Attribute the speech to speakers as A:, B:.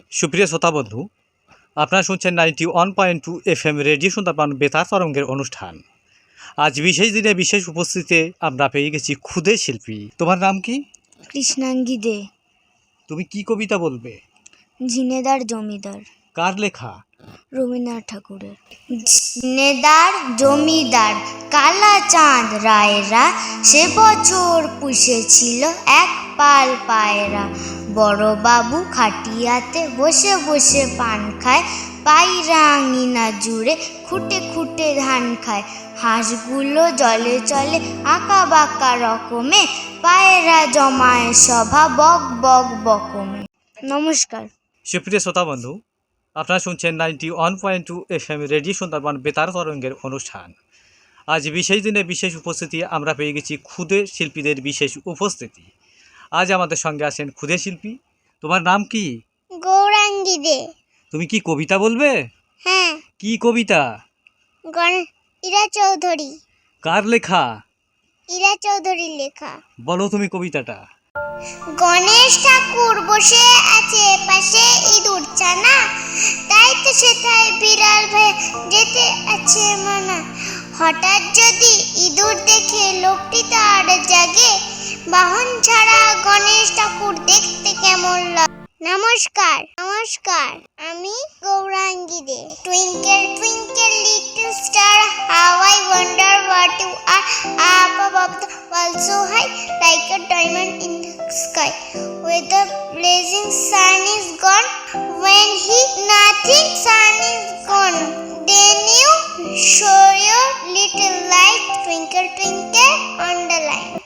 A: সুপ্রিয় শ্রোতা বন্ধু, আপনারা শুনছেন 91.2 FM রেডিও সুন্দরবন বেতার তরঙ্গের অনুষ্ঠান। আজ বিশেষ দিনে বিশেষ উপস্থিতিতে আমরা পেয়ে গেছি ক্ষুদে শিল্পী। তোমার নাম কি?
B: কৃষ্ণাঙ্গী দে।
A: তুমি কি কবিতা বলবে?
B: ঝিনেদার জমিদার।
A: কার লেখা?
B: রবীন্দ্রনাথ ঠাকুরের। ঝিনেদার জমিদার কালা চাঁদ রায়রা সে বছর পুষেছিল এক পাল পায়রা। বড় বাবু খাটিয়াতে বসে বসে পান খায়, পায়রা আঙিনা জুড়ে খুঁটে খুঁটে ধান খায়। হাঁসগুলো জলে চলে আঁকা বাঁকা রকমে, পায়রা জমায় সভা বক বক বকমে। নমস্কার।
A: সুপ্রিয় শ্রোতা বন্ধু, আপনারা শুনছেন 91.2 FM রেডিও সুন্দরবন বেতার তরঙ্গের অনুষ্ঠান। আজ বিশেষ দিনে বিশেষ উপস্থিতি আমরা পেয়ে গেছি ক্ষুদে শিল্পীদের বিশেষ উপস্থিতি। আজ আমাদের সঙ্গে আছেন ক্ষুদে শিল্পী। তোমার নাম কি?
B: গৌরাঙ্গী দে।
A: তুমি কি কবিতা বলবে?
B: হ্যাঁ।
A: কি কবিতা?
B: ইরা চৌধুরী।
A: কার লেখা?
B: ইরা চৌধুরীর লেখা।
A: বলো তুমি কবিতাটা।
B: গণেশ ঠাকুর বসে আছে পাশে ইঁদুর ছানা, তাই তো সেটাই বিড়াল ভয়ে যেতে আছে মানা। হঠাৎ যদি ইঁদুর দেখে লোকটি তার জাগে, বাহন ছাড়া গণেশ ঠাকুর দেখতে কেমন লাগে। নমস্কার। আমি Gaurangi Dey. Twinkle twinkle little star, how I wonder what you are up above the world so high, like a diamond in the sky. Where the blazing sun is gone, when nothing sun is gone, then you show your little light, twinkle twinkle on the line.